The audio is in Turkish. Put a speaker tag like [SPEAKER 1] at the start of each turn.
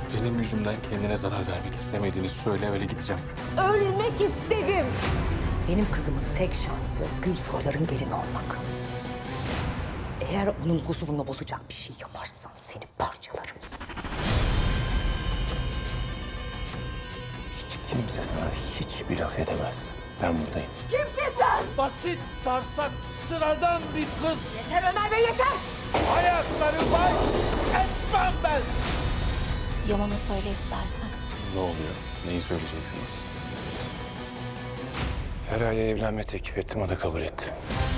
[SPEAKER 1] Benim yüzümden kendine zarar vermek istemediğini söyle, öyle gideceğim.
[SPEAKER 2] Ölmek istedim. Benim kızımın tek şansı Gülsoyların gelini olmak. Eğer onun huzurunu bozacak bir şey yaparsan seni parçalarım.
[SPEAKER 1] Hiç kimse sana hiçbir laf edemez. Ben buradayım.
[SPEAKER 2] Kimsin sen?
[SPEAKER 3] Basit, sarsak, sıradan bir kız.
[SPEAKER 2] Yeter Ömer Bey yeter!
[SPEAKER 3] Ayakları var, etmem ben.
[SPEAKER 4] Yaman'a söyle istersen.
[SPEAKER 1] Ne oluyor? Neyi söyleyeceksiniz? Feraye'ye evlenme teklif ettim, o da kabul etti.